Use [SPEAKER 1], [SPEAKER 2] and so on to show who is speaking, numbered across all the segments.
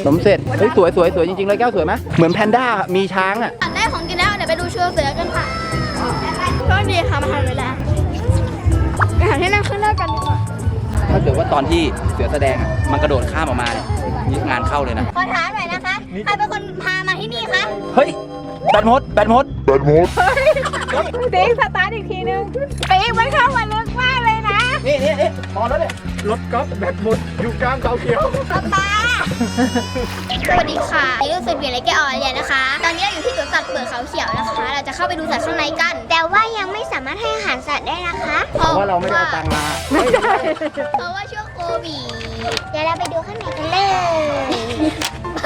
[SPEAKER 1] สมเสร็จเฮ้ยสวยจริงๆเลยแก้วสวยไหมเหมือนแพนด้ามีช้างอ่ะ
[SPEAKER 2] อันแรกของกินแล้วเดี๋ยวไปดูเชือกเสือกันค่ะก็ดีค่ะมาทันเวลาไปหาที่นั่งข้างหน้ากันดีกว่า
[SPEAKER 1] ถ้าเกิดว่าตอนที่เสือแสดงอ่ะมันกระโดดข้ามออกมาเนี่ยงานเข้าเลยนะ
[SPEAKER 2] ขอถามหน่อยนะคะใครเป็นคนพามาที่นี่คะ
[SPEAKER 1] เฮ้ยแบตหมด
[SPEAKER 3] ติ๊กสตาร์ทอีกทีนึงติ๊กมันเข้ามาลึกมากเลยนะ
[SPEAKER 1] นี่พอแล้วเนี่ย
[SPEAKER 4] รถกอล์ฟแบตหมดอยู่กลางเสาเขียว
[SPEAKER 2] ป้าสวัสดีค่ะนี่รู้สึกเปลี่ยนอะไรแกออนเลยนะคะ ตอนนี้เราอยู่ที่สวนสัตว์เปิดเขาเขียวนะคะ เราจะเข้าไปดูสัตว์ข้างในกัน แต่ว่ายังไม่สามารถให้อาหารสัตว์ได้นะคะ
[SPEAKER 1] เพราะว่าเราไม่ได้เอาตังค์มา
[SPEAKER 3] ไม่ได้
[SPEAKER 2] เพราะว่าช่วงโควิดเดี๋ยวเราไปดูข้างในกันเลยไป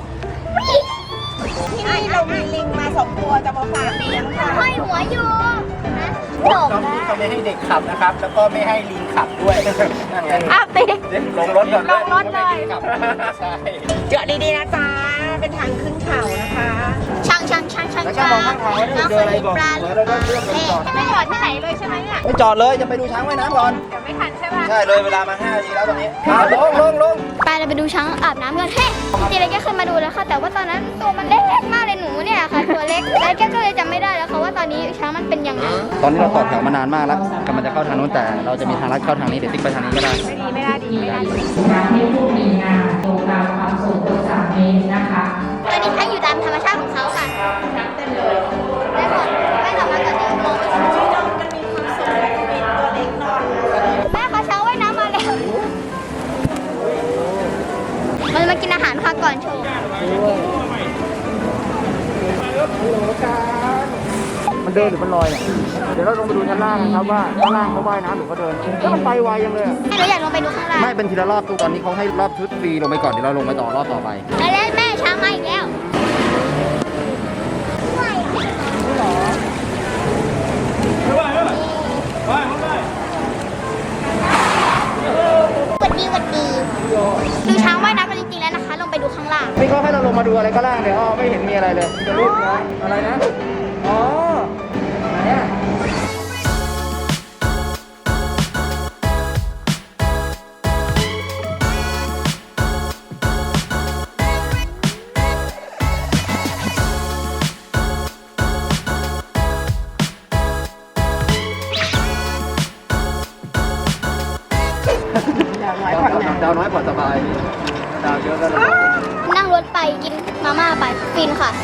[SPEAKER 3] ที่นี่เรามีลิงมา2 ตัวจะมาฝากเลี้ยงค่ะ
[SPEAKER 2] ห้อยหัวอยู่นะ
[SPEAKER 1] รถนี้เขาไม่ให้เด็กขับนะครับแล้วก็ไม่ให้ลิงขับด้วยนั่นไง
[SPEAKER 3] ติ๊ก
[SPEAKER 1] ลงรถก่อน
[SPEAKER 3] ลงรถเลย
[SPEAKER 1] ใช่
[SPEAKER 3] เจาะดีๆนะจ๊ะเป็นทางขึ้นเขานะคะ
[SPEAKER 2] ช่าง
[SPEAKER 1] แล้วก็มองข้างทางว่าเจออะไรบอกแล้วก็เลือกไปจอด
[SPEAKER 3] ไม่จอดที่ไหนเลยใช่ไหมเนี่ย
[SPEAKER 1] ไม่จอดเลยจะไปดูช้างว่ายน้ำก่อน
[SPEAKER 3] เดี๋ยวไม่ทันใช่ไหม
[SPEAKER 1] ใช่เลยเวลามา5 นาทีแล้วตอนนี้ลง
[SPEAKER 2] ไปเราไปดูช้างอาบน้ำกันเฮ้ยจริงๆแล้วแกเคยมาดูแล้วค่ะแต่ว่าตอนนั้นตัวมันเล็กมากเลยหนูเนี่ยค่ะตัวเล็กแล้วแกก็เลยจำไม่ได้แล้วค่ะว่าตอนนี้ช้างมันเป็นยังไง
[SPEAKER 1] ตอนนี้เราต่อแถวมานานมากแล้วกำลังจะเข้าทางนู้นแต่เราจะมีทางลัดเข้าทางนี้เดี๋ยวติ๊กไปทางนี้ก็ได้
[SPEAKER 3] ไม่ได้ดี
[SPEAKER 5] การที่ผู้มีงานโครงการความสูง3 เมตรนะคะ
[SPEAKER 2] ตอนนี้ช้างอยู่ตามธรรมชาติของเขาค่ะช้างเต้นเลยได้หมดไม่สามารถจะเดินมองไปช้างมันมีความสุขและมีตัวเล็กนอนแม่เขาช้างว่ายน้ำมาแล้วมันมากินอาหารค่ะก่อนโชว์
[SPEAKER 1] มันเดินหรือมันลอยเนี่ยเดี๋ยวเราลงไปดูชั้นล่างนะครับว่าชั้นล่างเขาว่ายน้ำหรือเขาเดินแล้วมันไปไวยังเลย
[SPEAKER 2] เราอยากลงไปดูข้างล่าง
[SPEAKER 1] ไม่เป็นทีละรอบตอนนี้เขาให้รอบชุดฟรีลงไปก่อนเดี๋ยวเราลงไปต่อรอบต่อไป
[SPEAKER 2] แล้วแม่ช้างมาอีกแล้ววัดดีดูช้างว่ายน้ำกันจริงๆแล้วนะคะลงไปดูข้างล่าง
[SPEAKER 1] นี่เขาให้เราลงมาดูอะไรก็ล่างเดี๋ยวไม่เห็นมีอะไรเลยจะรูปนะอะไรนะอ๋อไหนอ่ะดาวน้อยผ่อนสบายดาวเยอะแล้ว
[SPEAKER 2] นั่งรถไปกินมาม่าไปฟินค่ะ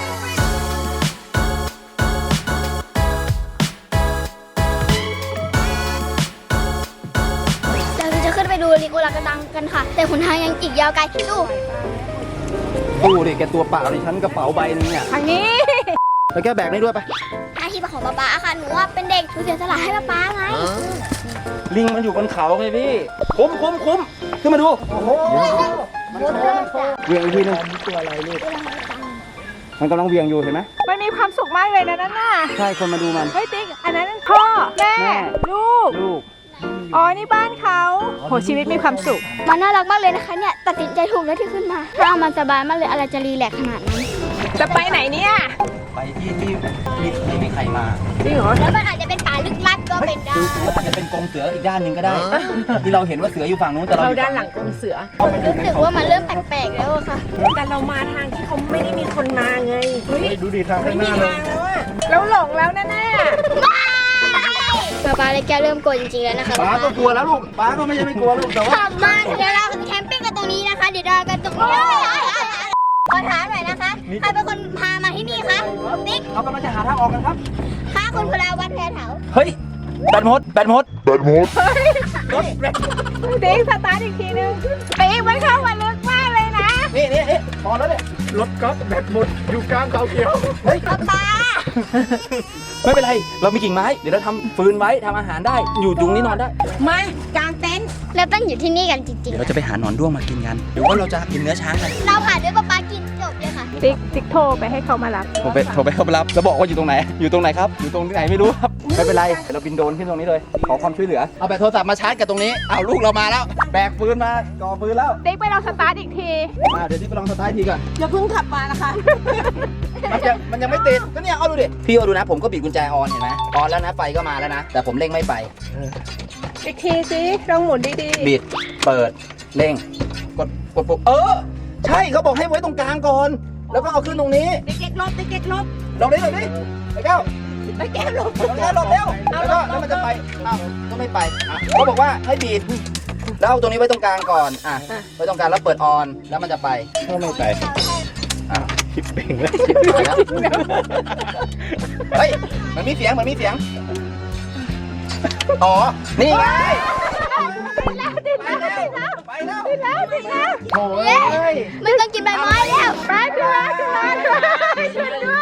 [SPEAKER 2] เราจะขึ้นไปดูลิโกลากระดังกันค่ะแต่หนทางยังอีกยาวไกล
[SPEAKER 1] ดูดิแกตัวเปล่าดิฉันกระเป๋าใบนึงเนี่ย
[SPEAKER 3] ทางนี้
[SPEAKER 1] แล้วแกแบกนี่ด้วยไป
[SPEAKER 2] หน้าที่ของป๊าค่ะหนูว่าเป็นเด็กหนูเสียสละให้ป๊าไง
[SPEAKER 1] ลิงมันอยู่บนเขาไงพี่คุ้มขึ้นมาดูโอ้โหเวียงอีกทีนึงตัวอะไรลูกมันกำลังเวียงอยู่เห็นไหม
[SPEAKER 3] มันมีความสุขมากเลยนะนั่นน่ะ
[SPEAKER 1] ใช่คนมาดูมัน
[SPEAKER 3] เฮ้ยติ๊กอันนั้นพ่อแม่ลูกอ๋อนี่บ้านเขาโหชีวิตมีความสุข
[SPEAKER 2] มันน่ารักมากเลยนะคะเนี่ยตัดสินใจถูกแล้วที่ขึ้นมาถ้ามันสบายมากเลยอะไรจะรีแลกขนาดนั้น
[SPEAKER 3] จะไปไหนเนี่ย
[SPEAKER 1] ไปที่ไม่มีใครมา
[SPEAKER 3] จริงเหรอ
[SPEAKER 2] แล้วมันอาจจะเป็นป่าลึกลับก็เป็นได้
[SPEAKER 1] อาจจะเป็นกรงเสืออีกด้านหนึ่งก็ได้ที่เราเห็นว่าเสืออยู่ฝั่งนู้นแต่
[SPEAKER 3] เราด้านหลังกรงเสือ
[SPEAKER 2] รู้สึกว่ามันเริ่มแปลกๆแล้วค่ะ
[SPEAKER 3] แต่เรามาทางที่เขาไม่ได้มีคนมาไง
[SPEAKER 1] ดูดิทางข้างหน้าเลย
[SPEAKER 3] แล้วหลงแล้วแน่
[SPEAKER 2] ป๊าเลยแกเริ่มกลัวจริงๆแล้วนะคะ
[SPEAKER 1] ป๊าก็กลัวแล้วลูกป๊าก็ไม่ใช่ไม่กลัวลูกแต่ว่า
[SPEAKER 2] ขับมาเดี๋ยวเราแคมปิ้งกันตรงนี้นะคะเดี๋ยวเรากันตรงนี้ขอถามหน่อยนะคะใครเป็นคนพามาที่นี่คะติ๊ก
[SPEAKER 1] เรากำลังจะหาทางออกกันครับ
[SPEAKER 2] ข้าคุณพลาวัฒน์แพรเถา
[SPEAKER 1] เฮ้ยแบตหมด
[SPEAKER 3] ติ๊กสตาร์ทอีกทีนึงติ๊กมันเข้ามาลึกมากเลยนะ
[SPEAKER 1] นี่พอแล้วเนี่ย
[SPEAKER 4] รถกอล์ฟแบตหมดอยู่กลางเสาเขียว
[SPEAKER 1] เฮ้ย
[SPEAKER 2] ป๊า
[SPEAKER 1] ไม่เป็นไรเรามีกิ่งไม้เดี๋ยวเราทำฟืนไว้ทำอาหารได้อยู่ตรงนี้นอนได้
[SPEAKER 3] มากางเต็นท์
[SPEAKER 2] เราต้องอยู่ที่นี่กันจริงๆ
[SPEAKER 1] เดี๋ยวเราจะไปหาหนอนด้วงมากินกันหรือว่าเราจะกินเนื้อช้างกัน
[SPEAKER 2] เราผ่านด้วยป๊ากินจบเลยค่ะ
[SPEAKER 3] ติ๊กโทรไปให้เขามารับ
[SPEAKER 1] โทรไปเขามารับแล้วบอกว่าอยู่ตรงไหนครับอยู่ตรงที่ไหนไม่รู้ครับไม่เป็นไรเราบินโดรนขึ้นตรงนี้เลยขอความช่วยเหลือเอาแบตโทรศัพท์มาชาร์จกับตรงนี้เอาลูกเรามาแล้วแบกฟืนมาก่อฟืนแล้ว
[SPEAKER 3] ติ๊กไปลองสตาร์ทอีกที
[SPEAKER 1] เดี๋ยวที่ไปลองสตาร์ททีก่อน
[SPEAKER 3] อย่าเพิ่งขับมานะคะ
[SPEAKER 1] มันยังไม่ติดก็เนี่ยเอาดูดิพี่เอาดูนะผมก็บีบกุญแจออนเห็นไหมออนแล้วนะไฟก็มาแล้วนะแต่ผมเร่งไม่ไป
[SPEAKER 3] อีกทีสิลองหมุนดี
[SPEAKER 1] ๆบิดเปิดเร่งกดปุ๊บใช่เขาบอกให้ไว้ตรงกลางก่อน แล้วก็เอาขึ้นตรงนี้
[SPEAKER 3] เด็กๆลบเด็กๆลบ
[SPEAKER 1] หลบดิไอ้แก้ว
[SPEAKER 3] ไปแก้วลบ
[SPEAKER 1] หลบเร็วแล้วมันจะไปอ้าวก็ไม่ไปเขาบอกว่าให้บีบแล้วเอาตรงนี้ไว้ตรงกลางก่อนไว้ตรงกลางแล้วเปิดออนแล้วมันจะไป
[SPEAKER 4] ก็ไม่ไป
[SPEAKER 1] อ้าว
[SPEAKER 4] คิดเป่งแล้ว
[SPEAKER 1] เฮ้ยมันมีเสียงอ๋อนี่ไงไปแล้วโอ้ย
[SPEAKER 2] ไม่ต้องกินใบไม้แล้ว
[SPEAKER 3] ไปขึ้นมาขึ้นมาช่วยด้วย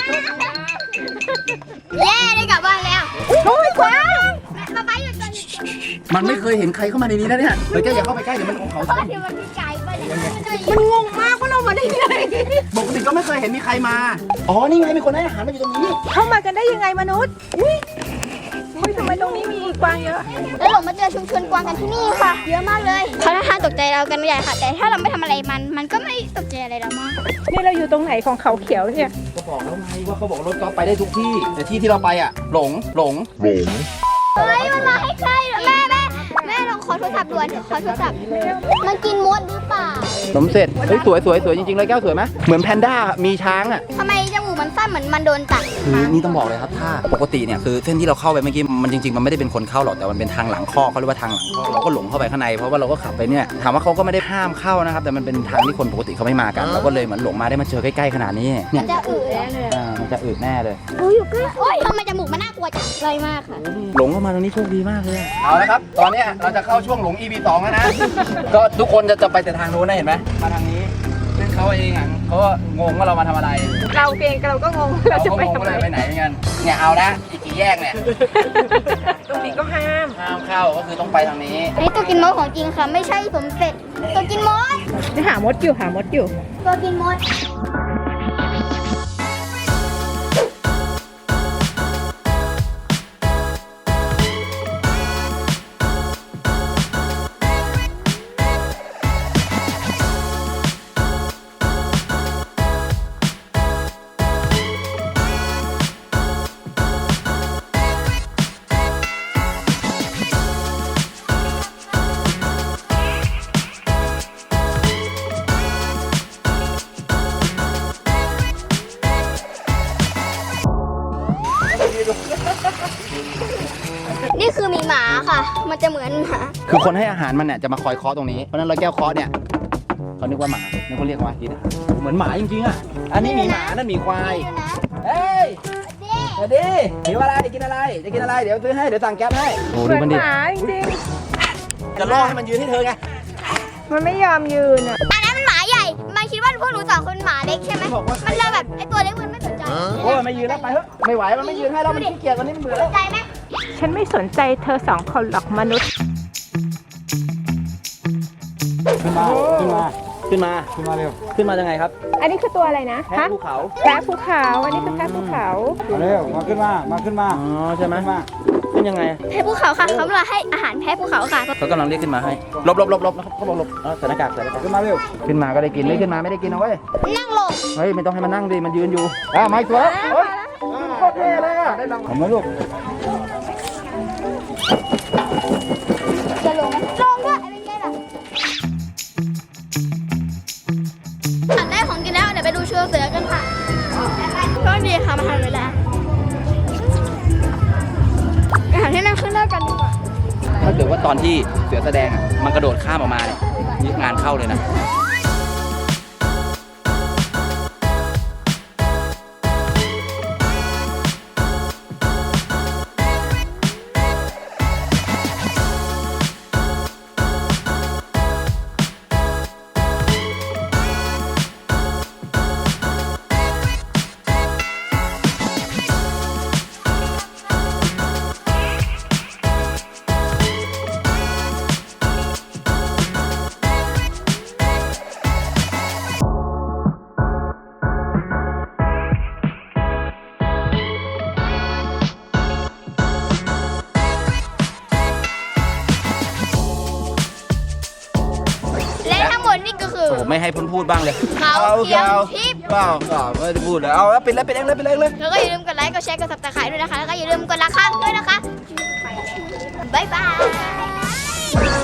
[SPEAKER 2] เย้ได้กลับบ้านแล้ว
[SPEAKER 3] โอ้ยขวาง
[SPEAKER 2] มาไปหยุดก่อน
[SPEAKER 1] มันไม่เคยเห็นใครเข้ามาในนี้นะเนี่ยเฮ้ยแกอย่าเข้าไปใกล้เดี๋ยวมันของเขา
[SPEAKER 2] เพราะเดี๋ยวมันมีไก่ไปเดี๋ยวมันจะ
[SPEAKER 3] มันงงมากว่าเรามาได้ยังไง
[SPEAKER 1] ปกติก็ไม่เคยเห็นมีใครมาอ๋อนี่ไงมีคนให้อาหารมาอยู่ตรงนี้
[SPEAKER 3] เข้ามากันได้ยังไงมนุษย์อุ้ยทำไมตรงนี้มีกวางเยอะ
[SPEAKER 2] แล้วหลงมาเจอชุมชนกวางกันที่นี่ค่ะ เยอะมากเลยเขาท่าทางตกใจเรากันใหญ่ค่ะ แต่ถ้าเราไม่ทำอะไรมันก็ไม่ตกใจอะไรเรามาก
[SPEAKER 3] นี่เราอยู่ตรงไหนของเขาเขียวเนี่ย
[SPEAKER 1] ก็บอกแล้วไงว่าเขาบอกรถกอล์ฟไปได้ทุกที่ แต่ที่เราไปอ่ะหลง
[SPEAKER 2] เฮ้ยมันมาให้ใกล้เหรอแม่ลองขอโทรศัพท์ด่วนขอโทรศัพท์มันกินมดหรือเปล่า
[SPEAKER 1] สมเสร็จเฮ้ยสวยจริงๆเลยแก้วสวยไหมเหมือนแพนด้ามีช้างอ่ะ
[SPEAKER 2] ทำไมจมูกมันสั้นเหมือนมันโดนตัด
[SPEAKER 1] คือนี่ต้องบอกเลยครับถ้าปกติเนี่ยคือเส้นที่เราเข้าไปเมื่อกี้มันจริงๆมันไม่ได้เป็นคนเข้าหรอกแต่มันเป็นทางหลังคอกเขาเรียกว่าทางหลังคอกเราก็หลงเข้าไปข้างในเพราะว่าเราก็ขับไปเนี่ยถามว่าเขาก็ไม่ได้ห้ามเข้านะครับแต่มันเป็นทางที่คนปกติเขาไม่มากันเราก็เลยเหมือนหลงมาได้มาเจอใกล้ๆขนาดนี้เนี่
[SPEAKER 2] มั
[SPEAKER 1] ย
[SPEAKER 2] นจะอืด
[SPEAKER 1] มันจะอืดแน่เลย
[SPEAKER 2] โอ้ยอยู่ใกล้โอ้ยทำไมจมูกมันน่ากลัวจังไกลมากค่ะ
[SPEAKER 1] หลงเข้ามาตรงนี้โชคดีมากเลยเอาละครับตอนนี้เราจะเข้าช่วงหลง EP 2แล้วนะ ก็ทุกคนจะไปแต่ทางนู้นนะเห็นไหมมาทางนี้ซึ่งเขาเองอ่ะเขาก็งงว่าเรามาทำอะไร
[SPEAKER 3] เราเองเราก็งงเราจะ
[SPEAKER 1] ก็
[SPEAKER 3] ไป
[SPEAKER 1] งง
[SPEAKER 3] ทำ
[SPEAKER 1] ว่า
[SPEAKER 3] ไม
[SPEAKER 1] เราไปไหนเหมือนกันเนี่ยเอานะอีกกี่แยกเนี่ย
[SPEAKER 3] ตรงนี้ก็ห้าม
[SPEAKER 1] ห้ามเข้าก็คือต้องไปทางนี้
[SPEAKER 2] อันนี้ตัวกินมดของจริงค่ะ ไม่ใช่สมเสร็จตัวกินมด
[SPEAKER 3] หามดอยู่หามดอยู่
[SPEAKER 2] ตัวกินมด นี่คือมีหมาค่ะ มันจะเหมือนหมา
[SPEAKER 1] คือคนให้อาหารมันเนี่ยจะมาคอยเคาะตรงนี้เพราะฉะนั้นเราแก้วเคาะเนี่ยเขานึกว่าหมาเนี่ยเขาเรียกว่ากินอาหารเหมือนหมาจริงๆอ่ะอันนี้หมีหมานั่นหมีควาย
[SPEAKER 2] ดูนะ
[SPEAKER 1] เฮ้ยสวัสดีหิวอะไรจะกินอะไรเดี๋ยวซื้อให้เดี๋ยวสั่งแก๊ปให้โอ้
[SPEAKER 3] เห
[SPEAKER 1] ดู
[SPEAKER 3] มือน
[SPEAKER 1] มันดิ
[SPEAKER 3] หมาจริง
[SPEAKER 1] จะล่อให้มันยืนให้เธอไง
[SPEAKER 3] ๆมันไม่ยอมยืนอ่ะ
[SPEAKER 2] อันนั้นมันหมาใหญ่ มันคิดว่าพวกหนูสองคนหมาเล็กใช่ไหม มันเลยแบบไอตัวเล็กมันไม่สนใจ
[SPEAKER 1] โอ้ยไม่ยืนแล้วไปเถอะไม่ไหวมันไม่ยืนให้แล้วมันขี้เกียจวันนี้มันเบื่อ
[SPEAKER 2] ส
[SPEAKER 1] แล้ว
[SPEAKER 2] นใจไหม
[SPEAKER 3] ฉันไม่สนใจเธอสองคนหรอกมนุษย์
[SPEAKER 1] ขึ้นมาเร็วขึ้นมายังไงครับ
[SPEAKER 3] อันนี้คือตัวอะไรนะ
[SPEAKER 1] แพะภูเขา
[SPEAKER 3] แพะภูเขาอันนี้คือแพะภูเขา
[SPEAKER 4] มาเร็วมาขึ้นมา
[SPEAKER 1] อ๋อใช่ไหมขึ้นยังไง
[SPEAKER 2] แพะภูเขาค่ะเขามาให้อาหารแพะภูเขาค่ะ
[SPEAKER 1] เขากำลังเรียกขึ้นมาให้หลบนะครับเขาบอกหลบใส่หน้ากากขึ้นมาเร็วขึ้นมาก็ได้กินไม่ขึ้นมาไม่ได้กินเอาไว้
[SPEAKER 2] นั่งลง
[SPEAKER 1] เฮ้ยไม่ต้องให้มันนั่งดิมันยืนอยู่มาอีกตัวแล้วเฮ้ยโคตรเท่เลยอ่ะได้รางวัลไหมลูก
[SPEAKER 2] จะลงไหมลงด้วยเป็นไงล่ะอันแรกของกินแล้วเดี๋ยวไปดูเชือกเสือกันค่ะก็ดีค่ะมาทันเวลาอาหารที่นั่งขึ้นได้กันดีกว่า
[SPEAKER 1] ถ้าเกิดว่าตอนที่เสือแสดงอ่ะมันกระโดดข้ามออกมาเนี่ยนี่งานเข้าเลยนะ
[SPEAKER 2] และทั้งหมดนี่ก็คือ
[SPEAKER 1] ผมไม่ให้พูดบ้างเลย
[SPEAKER 2] เขาเขียวทิพย์
[SPEAKER 1] เปล่าไม่ได้พูดเลยเอาแล้วปิดเลย
[SPEAKER 2] แล้วก็อย่าลืมกดไลค์ กดแชร์ กดซับสไครต์ด้วยนะคะ แล้วก็อย่าลืมกดละครั้งด้วยนะคะ บ๊ายบาย